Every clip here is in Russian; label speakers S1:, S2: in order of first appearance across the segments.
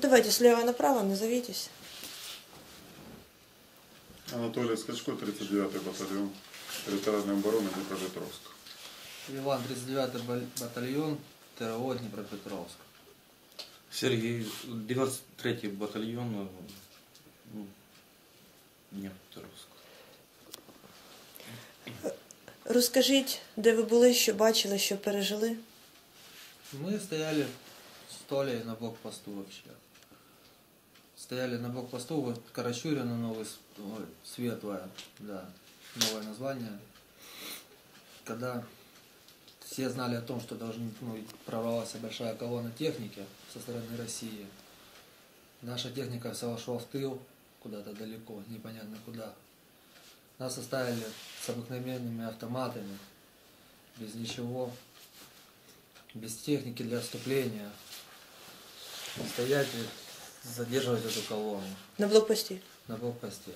S1: давайте слева направо, назовитесь.
S2: Анатолий Скачко, 39-й батальон территориальной обороны Днепропетровск.
S3: Иван, 39-й батальон ТРО Днепропетровск.
S4: Сергей, 93-й батальон Днепропетровск.
S1: Розкажіть, де ви були, що бачили, що пережили?
S3: Мы стояли с Толей на блокпосту вообще. Стояли на блокпосту, вот Карачурина, Светлая, да, новое название. Когда все знали о том, что прорвалась большая колонна техники со стороны России. Наша техника вся шла в тыл, куда-то далеко, непонятно куда. Нас оставили с обыкновенными автоматами, без ничего, без техники для отступления. Стоять и задерживать эту колонну.
S1: На блокпості.
S3: На блокпосте.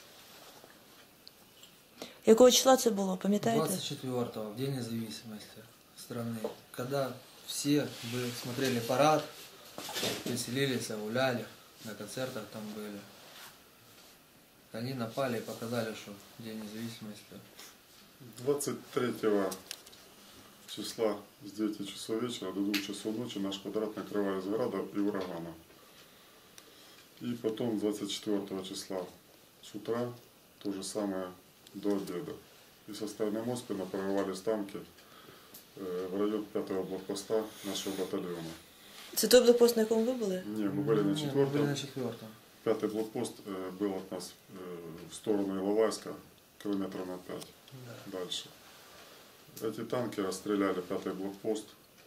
S1: Якого числа це було, пам'ятаєте?
S3: 24-го, в День независимости страны. Когда все смотрели парад, веселились, гуляли, на концертах там были. Они напали и показали, что День независимости.
S2: 23 числа с 9 часов вечера до 2 часов ночи наш квадрат накрывали с града и урагана. И потом 24 числа с утра то же самое до обеда. И со стороны Москвы прорывались танки в район 5-го блокпоста нашего батальона.
S1: Це той блокпост, на якому ви були?
S2: Не, мы были на 4-м.
S3: Мы были на 4-м.
S2: 5-й блокпост был от нас в сторону Иловайска, километров на 5 дальше. Эти танки расстреляли 5-й блокпост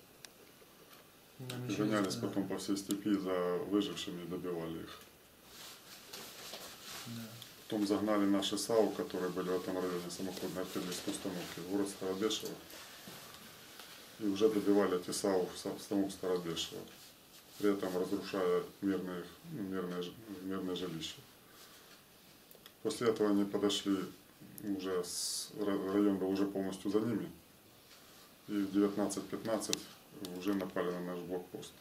S2: и гонялись потом по всей степи за выжившими и добивали их. Потом загнали наши САУ, которые были в этом районе, самоходные артиллерийские установки, в город Старобешево. И уже добивали эти САУ в самом Старобешево, при этом разрушая мирные жилища. После этого они подошли, район был уже полностью за ними, и в 19:15 уже напали на наш блокпост.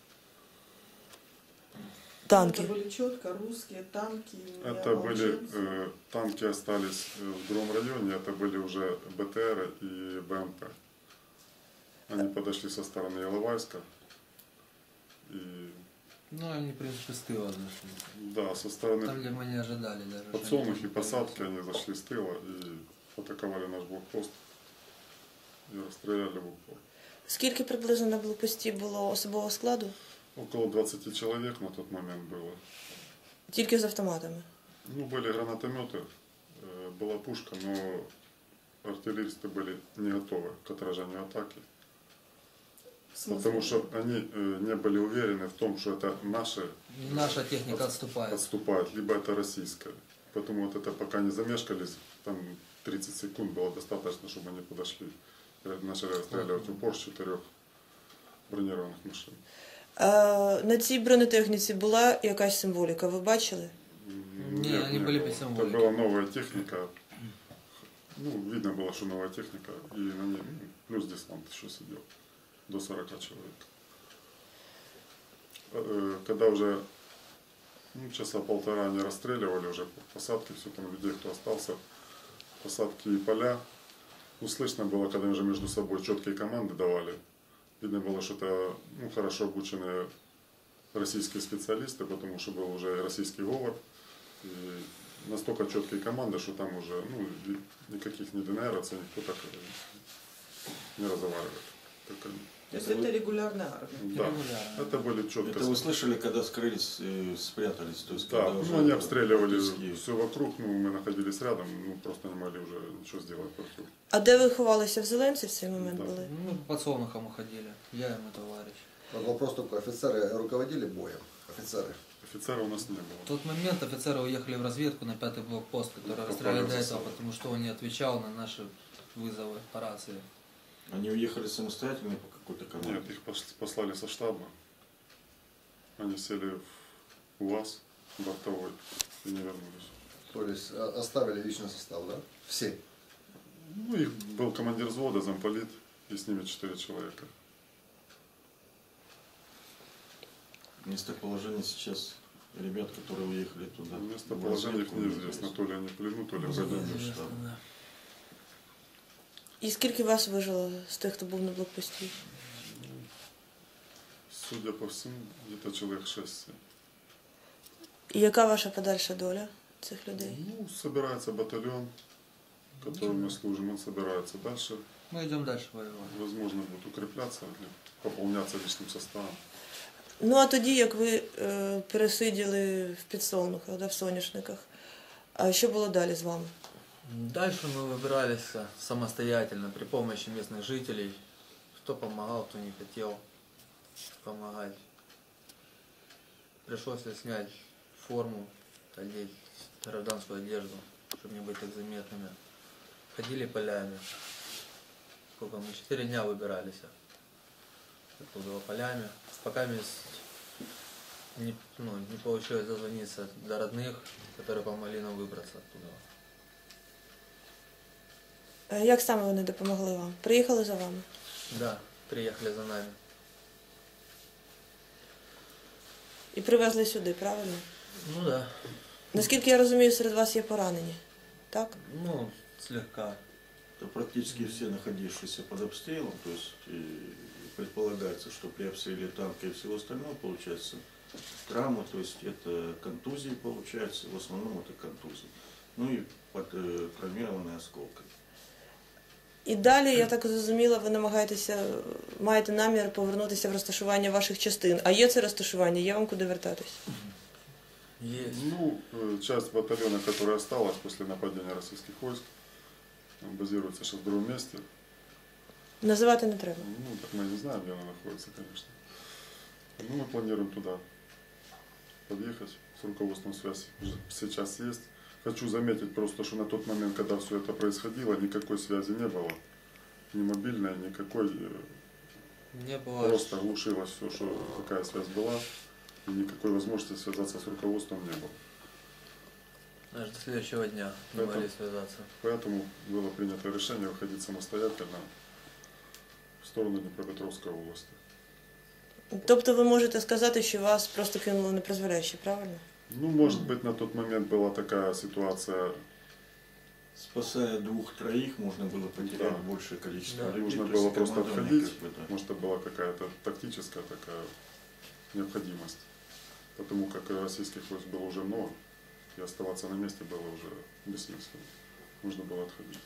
S1: Танки.
S5: Это были четко русские танки.
S2: Это были танки остались в другом районе, это были уже БТР и БМП. Они подошли со стороны Иловайска. И...
S3: Ну, они, в принципе, с тыла зашли.
S2: Да, со стороны
S3: Там, где мы не ожидали даже.
S2: подсолнухи и посадки они зашли с тыла и атаковали наш блокпост и расстреляли в упор.
S1: Скільки приблизно на блокпості було особового складу?
S2: Около 20 человек на тот момент было.
S1: Тільки з автоматами?
S2: Ну, были гранатометы, была пушка, но артиллеристы были не готовы к отражению атаки. Потому что они не были уверены в том, что это
S3: наша техника отступает.
S2: Либо это российская. Поэтому вот это пока не замешкались, там 30 секунд было достаточно, чтобы они подошли. Начали расстреливать в упор с 4 бронированных машин.
S1: На цій бронетехніці була якась символіка, ви бачили?
S3: Нет, они были без символики.
S2: Это была новая техника. Ну, видно было, что новая техника. И на ней плюс десант еще сидел. До 40 человек. Когда уже часа полтора они расстреливали уже посадки, все там людей, кто остался, посадки и поля. Ну, слышно было, когда уже между собой четкие команды давали. Видно было, что это хорошо обученные российские специалисты, потому что был уже и российский говор. И настолько четкие команды, что там уже никаких не ДНРовцев, никто так не разговаривает, как они.
S5: То есть это регулярная армия?
S2: Да, это были четко.
S6: Это вы слышали, когда скрылись и спрятались? То есть,
S2: да, они обстреливали
S6: близкие.
S2: все вокруг, мы находились рядом, просто не могли уже ничего сделать против.
S1: А де ви ховалися? В Зеленці в цей момент
S2: Да.
S1: були?
S3: Ну, под Солнухом уходили. Я и мой товарищ.
S7: Вопрос такой, офицеры руководили боем? Офицеры?
S2: Офицера у нас не было.
S3: В тот момент офицеры уехали в разведку на 5-й блокпост, который расстреляли до этого, потому что он не отвечал на наши вызовы по рации.
S6: Они уехали самостоятельно по какой-то команде?
S2: Нет, их послали со штаба. Они сели в УАЗ бортовой и не вернулись.
S7: То есть оставили личный состав, да? Все?
S2: Ну, их был командир взвода, замполит, и с ними 4 человека.
S6: Местоположение сейчас ребят, которые уехали туда.
S2: Местоположение их неизвестно, то ли они в плену, то ли в военном штабе.
S3: Да.
S1: І скільки вас вижило з тих, хто був на блокпості?
S2: Судя по всему, где-то человек 6.
S1: І яка ваша подальша доля цих людей?
S2: Ну, собирается батальон, которым мы служим, он собирается дальше.
S3: Мы идем дальше воевать.
S2: Возможно, будет укрепляться, или пополняться личным составом.
S1: Ну а тоді, як ви пересиділи в підсолнухах, да, в соняшниках, а що було далі з вами?
S3: Дальше мы выбирались самостоятельно при помощи местных жителей. Кто помогал, кто не хотел помогать. Пришлось снять форму, одеть гражданскую одежду, чтобы не быть так заметными. Ходили полями. Сколько мы? 4 дня выбирались оттуда полями. Пока не получилось дозвониться до родных, которые помогли нам выбраться оттуда.
S1: Як саме вони допомогли вам? Приїхали за вами?
S3: Да, приехали за нами.
S1: І привезли сюди, правильно?
S3: Ну да.
S1: Наскільки я розумію, серед вас є поранені, так?
S3: Ну, слегка.
S6: Это практически все находившиеся под обстрелом, то есть и предполагается, что при обстреле танка и всего остального получается травма, то есть это контузии получается, в основном это контузии. Ну и травмированные осколками.
S1: І далі, я так зрозуміла, ви маєте намір повернутися в розташування ваших частин. А є це розташування, є вам куди вертатись?
S3: Есть.
S2: Ну, часть батальона, которая осталась после нападения российских войск, базируется сейчас в другом месте.
S1: Називати не треба.
S2: Ну, так мы не знаем, где она находится, конечно. Ну, мы планируем туда подъехать. С руководством связь уже сейчас есть. Хочу заметить просто, что на тот момент, когда все это происходило, никакой связи не было. Ни мобильной, никакой.
S3: Не было.
S2: Просто глушилось все, что какая связь была. И никакой возможности связаться с руководством не было.
S3: Даже до следующего дня не могли связаться.
S2: Поэтому было принято решение выходить самостоятельно в сторону Днепропетровской области.
S1: Тобто ви можете сказати, що вас просто кинули непризволяще, правильно?
S2: Ну, может быть, на тот момент была такая ситуация.
S6: Спасая 2-3, можно было потерять
S2: Да.
S6: большее количество
S3: Да.
S6: людей.
S2: Нужно
S6: то есть
S2: было просто
S6: командование
S2: отходить.
S6: как бы, да.
S2: Может, это была какая-то тактическая такая необходимость. Потому как российских войск было уже много, и оставаться на месте было уже бессмысленно. Нужно было отходить.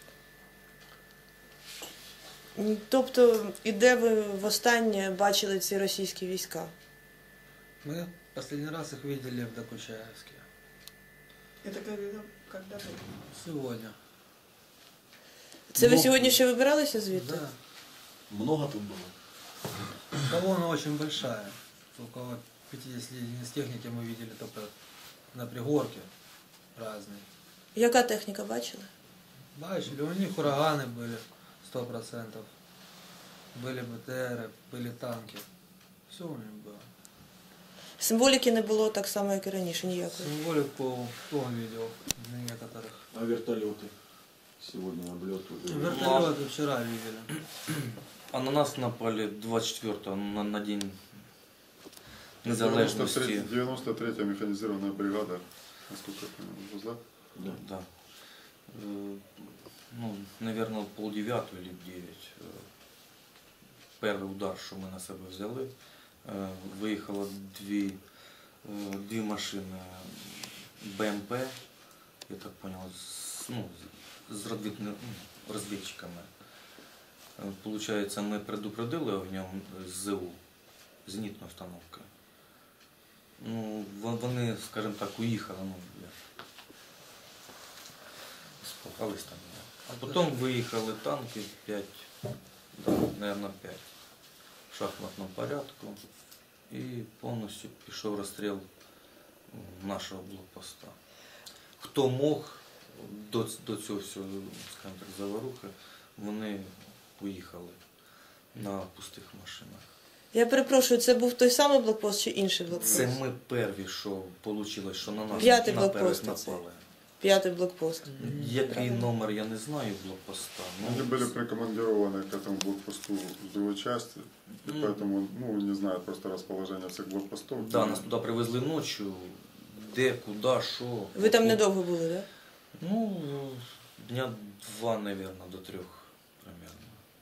S1: Тобто, і де ви востаннє бачили ці російські війська?
S3: Мы последний раз их видели в Докучаевске.
S5: Это когда было?
S3: Сегодня.
S1: Це ви сьогодні ще вибиралися звідти?
S3: Да.
S7: Много тут было?
S3: Колонна очень большая. Около 50 единиц техники мы видели только на пригорке разные.
S1: Яка техніка бачили?
S3: Бачили, у них ураганы были 100%. Были БТРы, были танки. Все у них было.
S1: Символіки не було так само, як і раніше, ніякої.
S3: Символику он видел на некоторых.
S6: А вертолеты сегодня облеты.
S3: Вертолеты вчера видели.
S4: А на нас напали 24-го на День Незалежності.
S2: 93-я механизированная бригада, насколько я понимаю, да?
S6: Да.
S4: Да. Ну, наверное, 8:30 или 9. Перший удар, що ми на себе взяли. Виїхало дві машини БМП, я так понял, з розвідчиками. Получається, ми предупредили огнем з ЗУ, зенітною установкою. Ну, вони, скажімо так, уїхали, спахались там. А потім виїхали танки 5, да, наверное, 5 в шахматному порядку. І повністю пішов розстріл нашого блокпоста. Хто мог до цього всього, скажімо так, заварухи, вони уїхали на пустих машинах.
S1: Я перепрошую, це був той самий блокпост чи інший блокпост?
S4: Це ми перві, що вийшло, що на нас
S1: П'ятий
S4: наперед
S1: блокпост оце.
S4: напали.
S1: 5-й блокпост.
S4: Який номер, я не знаю блокпоста.
S2: Они были прикомандированы к этому блокпосту с другой части, и поэтому, ну, не знаю просто расположение всех блокпостов.
S4: Да, нас туди привезли ночі, де, куди, що.
S1: Ви там недовго були, так?
S4: Ну, дня 2, наверное, до 3 примерно.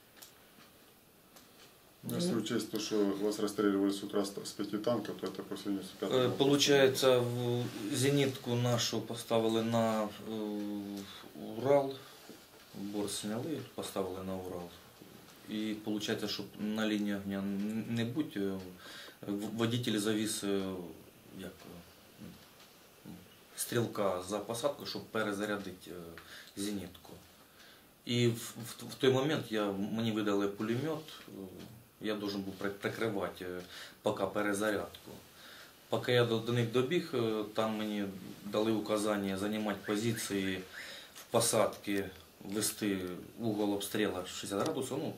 S2: Ну, если учесть то, что вас расстреливали с утра с 5 танков, то это по сравнению с 5
S4: Получається, зенітку нашу поставили на Урал, борт сняли, поставили на Урал. І виходить, щоб на лінії огня не бути, водитель завіз як, стрілка за посадку, щоб перезарядити зенітку. І в той момент мені видали пулемет, я должен був прикривати поки перезарядку. Поки я до них добіг, там мені дали указання займати позиції в посадці, вести угол обстрілу 60 градусів. Ну,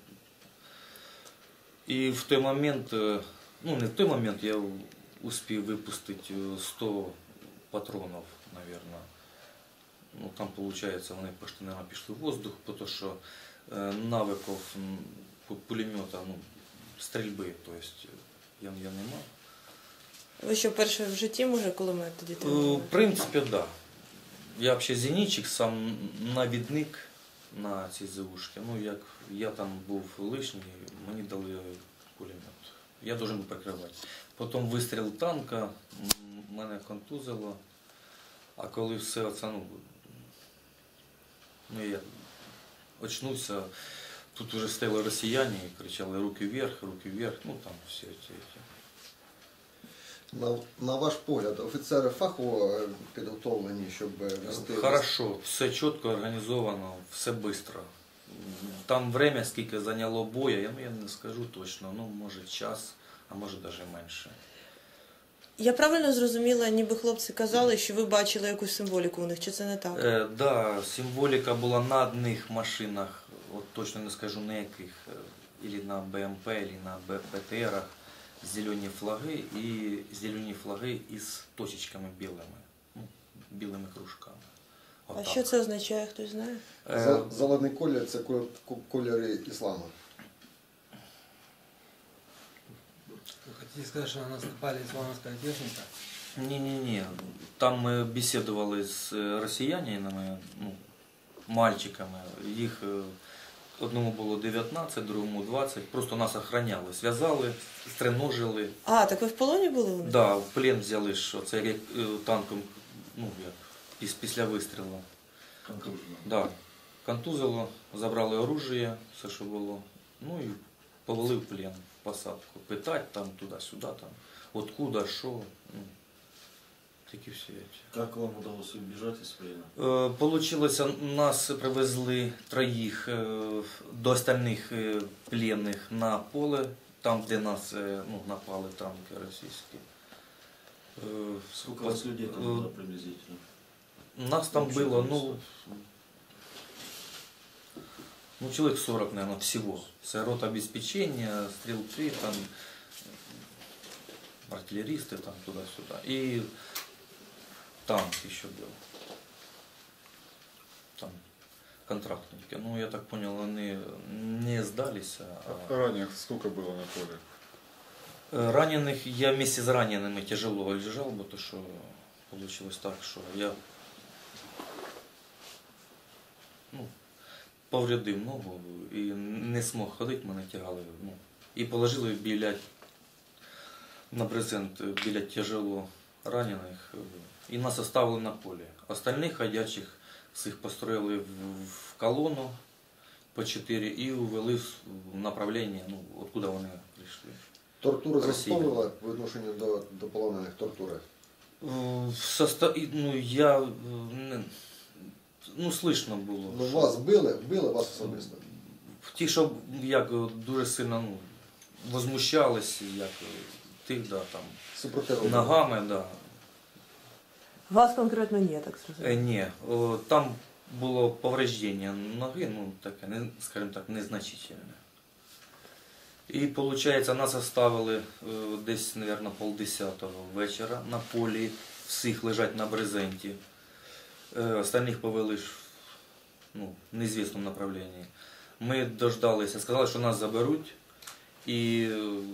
S4: і в той момент, ну не в той момент, я успів випустити 100 патронів, наверное. Ну, там, получается, вони почти, наверное, пішли в воздух, тому що навиків пулемета, ну, стрільби, то есть, я не мав.
S1: Ви що, перше в житті, може, кулемет тоді тримали?
S4: В принципі, так. Да. Я взагалі зенітчик, сам навідник на цій ЗУшці. Ну, як я там був лишній, мені дали пулемет. Я должен був прикривати. Потім вистріл танка, мене контузило. А коли все це, ну я очнувся, тут вже стояли росіяни і кричали руки вверх, ну там всі ці.
S7: На ваш погляд, офіцери фахово підготовлені, щоб вести...
S4: Хорошо, все чітко організовано, все швидко. Там время, скільки зайняло боя, я не скажу точно, ну може час, а може навіть менше.
S1: Я правильно зрозуміла, ніби хлопці казали, що ви бачили якусь символіку у них, чи це не так?
S4: Да, символіка була на одних машинах, от точно не скажу на яких, або на БМП, або на БТРах, зелені флаги із точечками білими, ну, білими кружками.
S1: А що це означає, хтось знає?
S7: Зелений колір – це кольори ісламу.
S3: Вы хотите сказать, что на нас напали исламская техника?
S4: Не. Там ми бесідували з росіянами, ну, мальчиками. Їх одному було 19, другому 20. Просто нас охраняли, зв'язали, стриножили.
S1: А, так ви в полоні були у них?
S4: Да, в плен взяли, що це як танком, ну, як, після вистрілу. Да, контузило, забрали оружие, все, що було. Ну і повели в плен, в посадку. Питати там, туди-сюди, там, откуда, що. Ну, такі всі речі.
S6: Как вам удалось убежать из плена?
S4: Получилось, нас привезли троїх до остальних пленних на поле, там, де нас напали танки російські.
S6: Сколько у вас людей там было приблизительно?
S4: Нас там было, человек 40, наверное, всего. С рота обеспечения, стрелки, там, артиллеристы, там, туда-сюда. И танк еще был. Там контрактники. Ну, я так понял, они не сдались.
S2: А раненых сколько было на поле?
S4: Раненых, я вместе с ранеными тяжело лежал, потому что получилось так, что я повредив ногу і не змог ходити, мене тягали. І положили на брезент біля тяжело ранених. І нас оставили на полі. Остальних ходячих всіх построїли в колону по 4 і увели в направлення, откуда вони прийшли.
S7: Тортури застосовували в відношенні до полонених тортури?
S4: Слышно було.
S7: Ну, вас били вас особисто?
S4: Ті, що як дуже сильно возмущались, як тих, да, там, ногами, да.
S1: Вас конкретно ні, так сказати?
S4: Ні, там було повреждення ноги, таке, скажімо так, незначительне. І, виходить, нас оставили десь, мабуть, 9:30 вечора на полі, всіх лежать на брезенті. Остальных повели в неизвестном направлении. Ми дождалися, сказали, що нас заберуть. І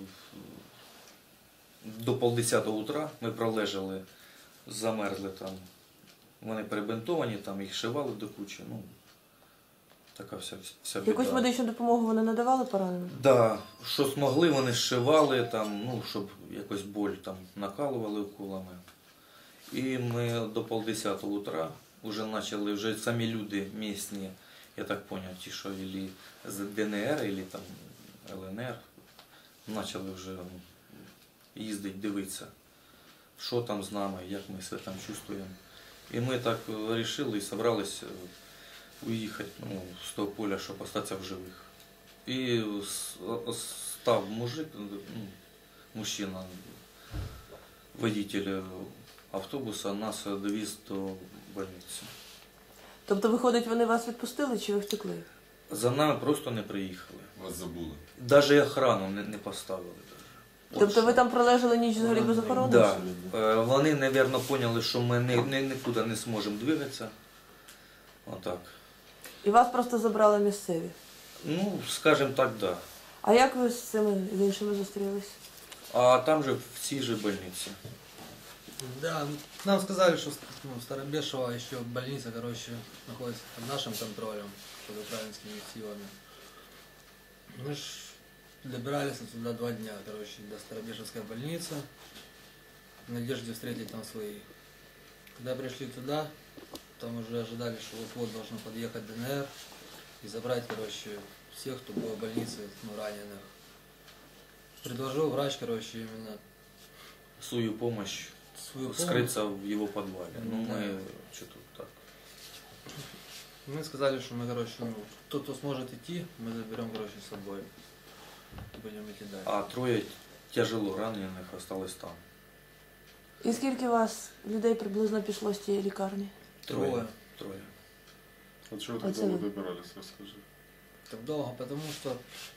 S4: до 9:30 утра ми пролежали, замерзли там. Вони перебинтовані, там їх шивали до кучі. Така вся біда.
S1: Якусь медичну допомогу вони надавали пораненим?
S4: Да, що змогли, вони зшивали, там, щоб якось боль там накалували уколами. І ми до 9:30 утра вже почали, вже самі люди місні, я так поняв, ті, що ілі з ДНР, ілі там ЛНР, почали вже їздити, дивитися, що там з нами, як ми себе там чувствуємо. І ми так вирішили і зібралися уїхати з того поля, щоб залишитися в живих. І став мужчина, водитель автобуса, нас довіз до больниці.
S1: Тобто, виходить, вони вас відпустили чи ви втекли?
S4: За нами просто не приїхали.
S8: Вас забули.
S4: Навіть охрану не поставили.
S1: Тобто ви там пролежали ніч взагалі без охорони?
S4: Так. Да. Вони, мабуть, поняли, що ми нікуди не зможемо двигатися. Отак.
S1: І вас просто забрали місцеві?
S4: Скажімо так, так. Да.
S1: А як ви з цими іншими зустрілись?
S4: А там же в цій же больниці.
S3: Да, нам сказали, что Старобешево еще больница, находится под нашим контролем, под украинскими силами. Мы ж добирались туда 2 дня, до Старобешевской больницы, в надежде встретить там своих. Когда пришли туда, там уже ожидали, что вот-вот должно подъехать ДНР и забрать, всех, кто был в больнице, раненых. Предложил врач, именно
S4: свою помощь. Скрыться в его подвале. Мы что-то так.
S3: Мы сказали, что мы, тот, кто сможет идти, мы заберем, с собой. Будем идти дальше.
S4: А 3 тяжело раненых осталось там.
S1: І скільки вас людей приблизно пішло з тієї лікарні?
S3: 3.
S2: А чего так долго добирались, расскажи?
S3: Так долго, потому что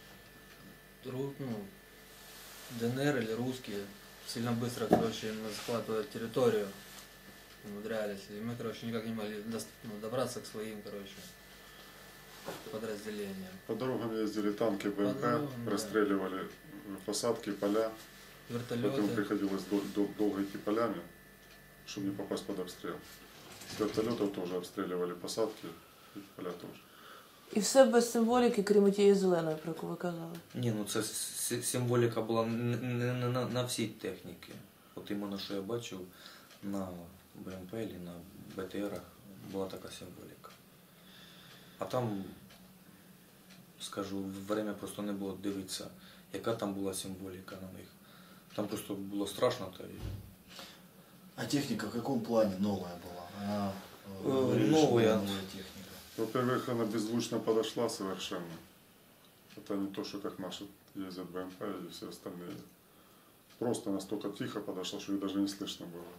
S3: ДНР или русские сильно быстро, захватывают территорию, умудрялись. И мы, никак не могли добраться к своим, подразделениям.
S2: По дорогам ездили танки, БМП, расстреливали посадки, поля.
S3: Вертолеты.
S2: Потом приходилось долго идти полями, чтобы не попасть под обстрел. С вертолетов тоже обстреливали посадки, и поля тоже.
S1: І все без символіки, крім тієї зеленої, про яку ви казали?
S4: Ні, це символіка була не на всій техніці. От іменно, що я бачив на БМП і на БТРах, була така символіка. А там, скажу, время просто не було дивитися, яка там була символіка на них. Там просто було страшно.
S9: А техника в каком плане новая была?
S4: Новая
S9: техника.
S2: Во-первых, она беззвучно подошла совершенно. Это не то, что как наши ездят БМП и все остальные. Просто настолько тихо подошла, что ее даже не слышно было.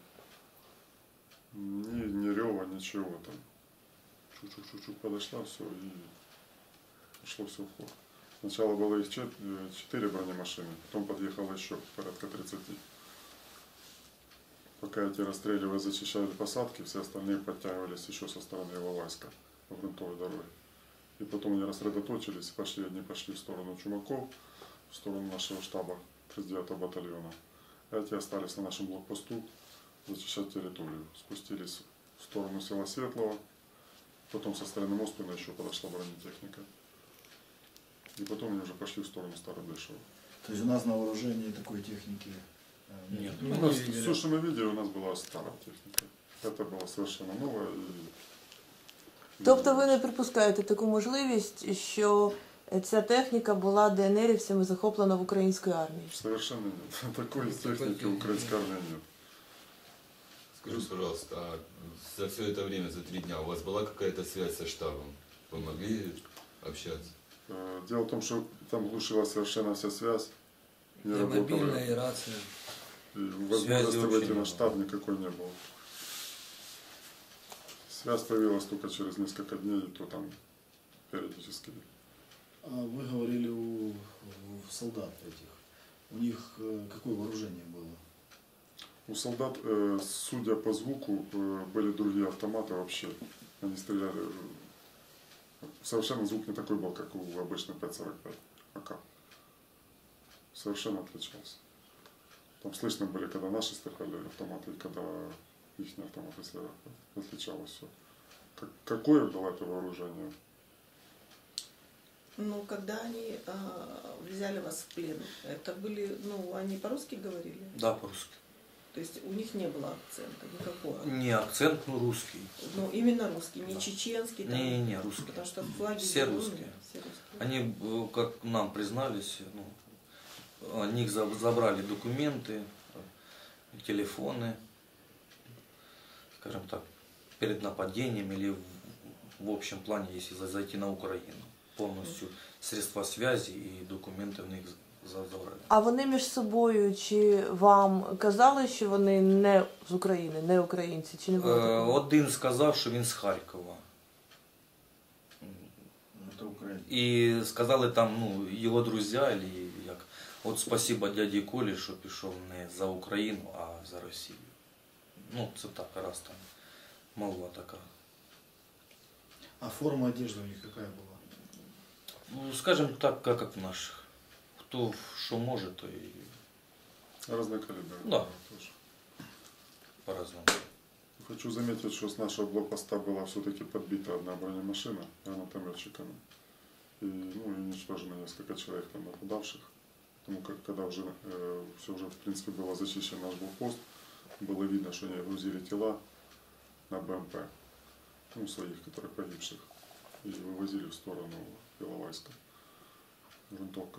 S2: Ни рева, ничего там. Чуть-чуть подошла, все, и пошло все в ход. Сначала было их 4 бронемашины, потом подъехало еще порядка 30. Пока эти расстреливая зачищали посадки, все остальные подтягивались еще со стороны его войска по грунтовой дороге. И потом они рассредоточились и пошли, одни пошли в сторону Чумаков, в сторону нашего штаба 39-го батальона. А эти остались на нашем блокпосту зачищать территорию. Спустились в сторону села Светлого, потом со стороны Моспина еще подошла бронетехника. И потом они уже пошли в сторону Старобешева.
S9: То есть у нас на вооружении такой техники
S4: нет?
S2: У нас, все, что мы видели, у нас была старая техника. Это было совершенно новое.
S1: Тобто ви не припускаєте таку можливість, що ця техніка була ДНРівцями захоплена в українській армії?
S2: Совершенно нет. Такой техники в украинской армии нет.
S8: Скажите, пожалуйста, а за все это время, за 3 дня, у вас была какая-то связь со штабом? Вы могли общаться?
S2: Дело в том, что там глушилась совершенно вся связь. Не
S3: и
S2: работала.
S3: мобильная, и рация.
S2: И возможности выйти на штаб никакой не было. Связь появилась только через несколько дней, и то там периодически.
S9: А вы говорили у солдат этих. У них какое вооружение было?
S2: У солдат, судя по звуку, были другие автоматы вообще. Они стреляли. Совершенно звук не такой был, как у обычной 5.45 АК. Совершенно отличался. Там слышно были, когда наши стреляли автоматы, и когда их автоматы стреляли. Отличалось все. Какое было это вооружение?
S5: Ну, когда они взяли вас в плен, это были, ну, они по-русски говорили?
S4: Да, по-русски.
S5: То есть у них не было акцента никакого?
S4: Не акцент, ну русский.
S5: Ну, именно русский, не чеченский? Там,
S4: Не, русский.
S5: Потому что флаги
S4: Все
S5: зеленые,
S4: русские.
S5: все русские.
S4: Они, как нам признались, ну, о них забрали документы, телефоны, скажем так, перед нападением или в общем плане, если зайти на Украину. Повністю средства связи і документи в них забрали.
S1: А вони між собою чи вам казали, що вони не з України, не українці, чи не було такого?
S4: Один сказав, що він з Харкова.
S9: Это Украина.
S4: І сказали там, ну, його друзі, і як, от спасибо дяді Колі, що пішов не за Україну, а за Росію. Ну, це так, раз там молва така.
S9: А форма одежды у них какая была?
S4: Ну, скажем так, как в наших. Кто что может, то и
S2: Разные калибры.
S4: Да.
S2: Тоже.
S4: по-разному.
S2: Хочу заметить, что с нашего блокпоста была все-таки подбита одна бронемашина гранатометчиками. И, ну, уничтожено несколько человек там нападавших. Потому как когда уже все уже в принципе было зачищен наш блокпост, было видно, что они грузили тела на БМП, ну, своих, которых погибших, и вывозили в сторону Иловайска. Грунтовка.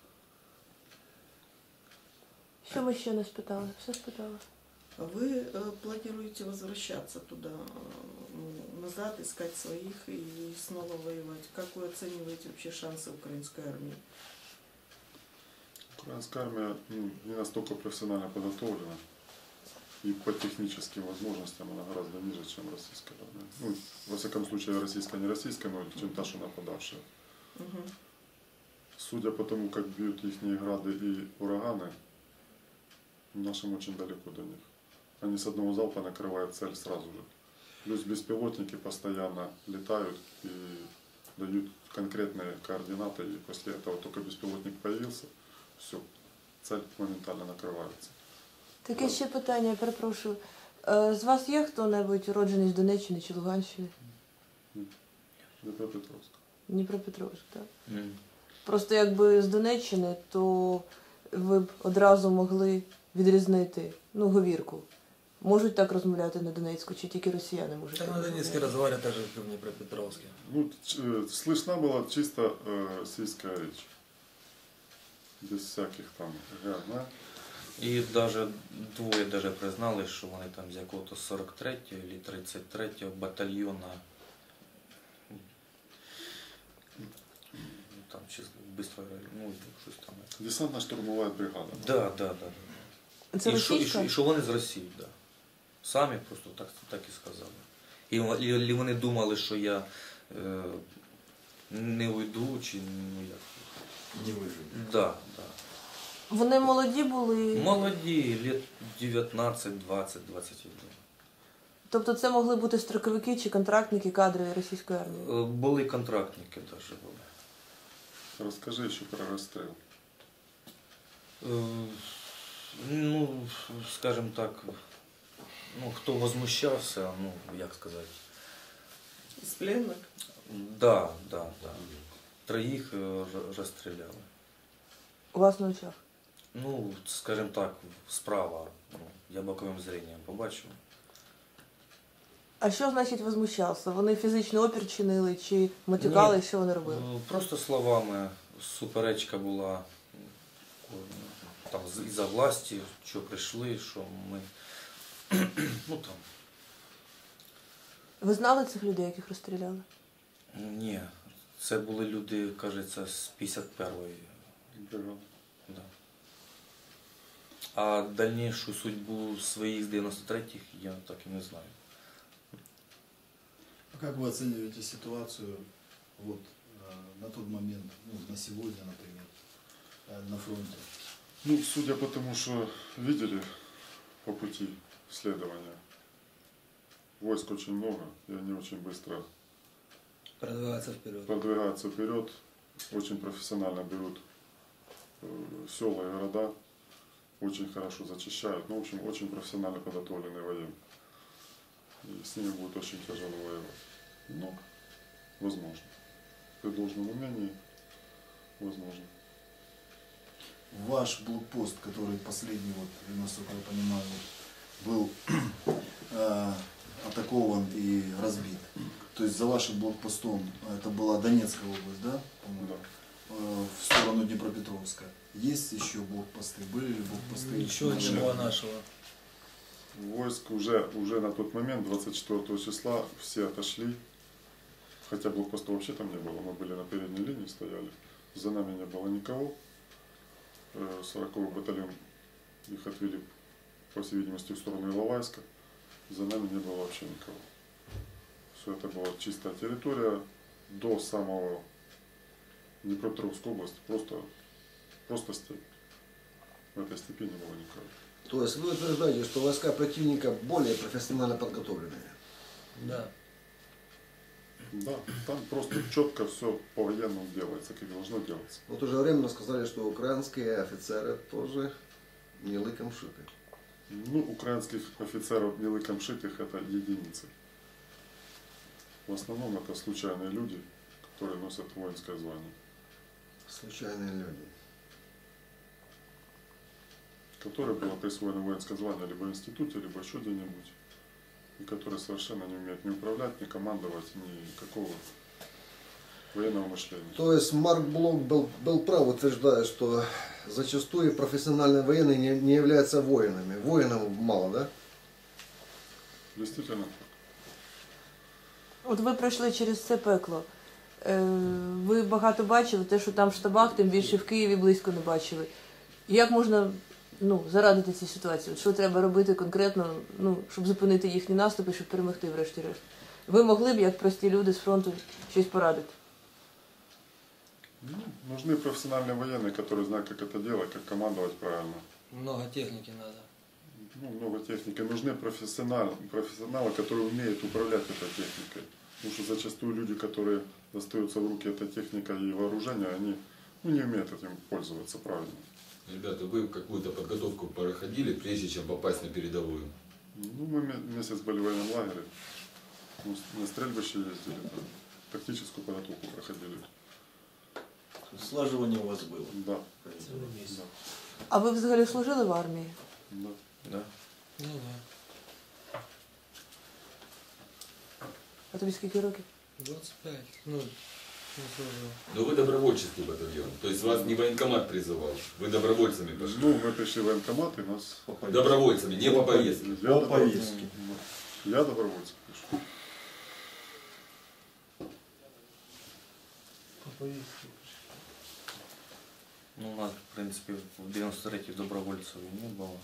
S1: Що ми ще не спитали? Все спитали.
S5: А вы планируете возвращаться туда, назад, искать своих и снова воевать? Как вы оцениваете вообще шансы украинской армии?
S2: Украинская армия, ну, не настолько профессионально подготовлена. И по техническим возможностям она гораздо ниже, чем российская армия. Ну, во всяком случае, российская не российская, но чем та, что нападавшая.
S5: Угу.
S2: Судя по тому, как бьют их грады и ураганы, нашим очень далеко до них. Они с одного залпа накрывают цель сразу же. Плюс беспилотники постоянно летают и дают конкретные координаты. И после этого только беспилотник появился, все, цель моментально накрывается.
S1: Таке ще питання, я перепрошую. З вас є хто-небудь уроджений з Донеччини чи Луганщини?
S2: Днепропетровск.
S1: Дніпропетровськ, так? Просто якби з Донеччини, то ви б одразу могли відрізнити, ну, говірку. Можуть так розмовляти на Донецьку, чи тільки росіяни можуть
S3: Так
S1: так
S3: на Донецке
S1: розмовляти?
S3: разговаривают так же, как в Днепропетровске.
S2: Ну, слышна была чисто российская речь. Без всяких там га.
S4: І даже двоє даже признали, що вони там з якого-то 43-го чи 33-го батальйона. Там чи быстро, ну, щось там.
S2: Десантно-штурмовая бригада.
S4: Да.
S1: Це
S4: І
S1: російська?
S4: що вони з Росії, да. Самі просто так і сказали. І вони думали, що я не уйду, чи ну як.
S9: Не выжили.
S4: Да.
S1: Вони молоді були?
S4: Молоді, лет 19, 20, 21.
S1: Тобто це могли бути строковики чи контрактники кадрові російської армії?
S4: Були контрактники навіть були.
S2: Расскажи еще про расстрел.
S4: Ну, скажем так, ну, хто возмущався, ну, як сказати.
S5: Из пленных?
S4: Да. Троїх розстріляли.
S1: У вас на очах?
S4: Ну, скажем так, справа, ну, я боковим зренням побачив.
S1: А що значить возмущався? Вони фізичний опір чинили чи матюкали,
S4: Ні.
S1: що вони робили?
S4: Просто словами суперечка була там із-за власті, що прийшли, що ми, ну там,
S1: Ви знали цих людей, яких розстріляли?
S4: ні, це були люди, кажеться, з 51-ї.
S2: Бригада.
S4: Да. А дальнішу судьбу своїх з 93-х я так і не знаю.
S9: А как вы оцениваете ситуацию вот, на тот момент, ну, на сегодня, например, на фронте?
S2: Ну, судя по тому, что видели, по пути следования. Войск очень много, и они очень быстро
S3: Продвигаться вперед.
S2: продвигаются вперед, очень профессионально берут села и города, очень хорошо зачищают. Ну, в общем, очень профессионально подготовленные военные. И с ними будет очень тяжело воевать. Но возможно. При должном умении возможно.
S9: Ваш блокпост, который последний, вот, насколько я понимаю, вот, был атакован и разбит. То есть за вашим блокпостом, это была Донецкая область, да? По-моему?
S2: Да.
S9: В сторону Днепропетровска. Есть еще блокпосты? Были ли блокпосты?
S3: Еще не было нашего.
S2: Войск уже на тот момент, 24 числа, все отошли. Хотя блокпоста вообще там не было, мы были на передней линии, стояли. За нами не было никого. 40-й батальон их отвели, по всей видимости, в сторону Иловайска. За нами не было вообще никого. Все это была чистая территория до самого Днепропетровской области, просто степь. В этой степи не было никого.
S7: То есть вы утверждаете, что войска противника более профессионально подготовленные?
S3: Да.
S2: Да, там просто четко все по-военному делается, как должно делаться.
S7: В то же время сказали, что украинские офицеры тоже не лыком шиты.
S2: Ну, украинских офицеров не лыком шитых это единицы. В основном это случайные люди, которые носят воинское звание.
S7: Случайные люди.
S2: Которое было присвоено воинское звание либо в институте, либо еще где-нибудь. И которые совершенно не умеют ни управлять, ни командовать, никакого военного мышления.
S7: То есть Марк Блок был прав, утверждая, что зачастую профессиональные военные не являются воинами. Воинов мало, да?
S2: Действительно так.
S1: От ви пройшли через це пекло. Ви багато бачили, те, що там в штабах, тим більше в Києві близько не бачили. Як можна зарадити цій ситуації? От що треба робити конкретно, щоб зупинити їхні наступи, щоб перемогти врешті-решт? Ви могли б, як прості люди з фронту, щось порадити?
S2: Нужны профессиональные военные, которые знают, как это делать, как командовать правильно.
S3: Много техники надо.
S2: Много техники. Нужны профессионалы, которые умеют управлять этой техникой. Потому что зачастую люди, которые достаются в руки этой техникой и вооружения, они не умеют этим пользоваться правильно.
S8: Ребята, вы какую-то подготовку проходили, прежде чем попасть на передовую?
S2: Мы месяц были в военном лагере, на стрельбище ездили, тактическую подготовку проходили.
S6: Слаживание у вас было.
S2: Да. Да.
S1: А ви взагалі служили в армії?
S2: Да.
S4: Да.
S3: Ну
S1: А тобі скільки років?
S3: 25. Ну, не служил.
S8: Но вы добровольческий батальон, то есть вас не военкомат призывал, вы добровольцами пошли.
S2: Мы пришли в военкомат и нас...
S8: Добровольцами, не по повестке.
S2: Я
S6: По повестке.
S2: Я добровольцем пришел.
S4: Ну, у нас, в принципі, в 93-й добровольців і не було.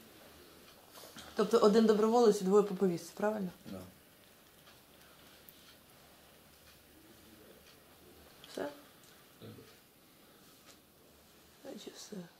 S1: Тобто один доброволець і двоє по повістці, правильно?
S4: Да.
S1: Все? Значить, все.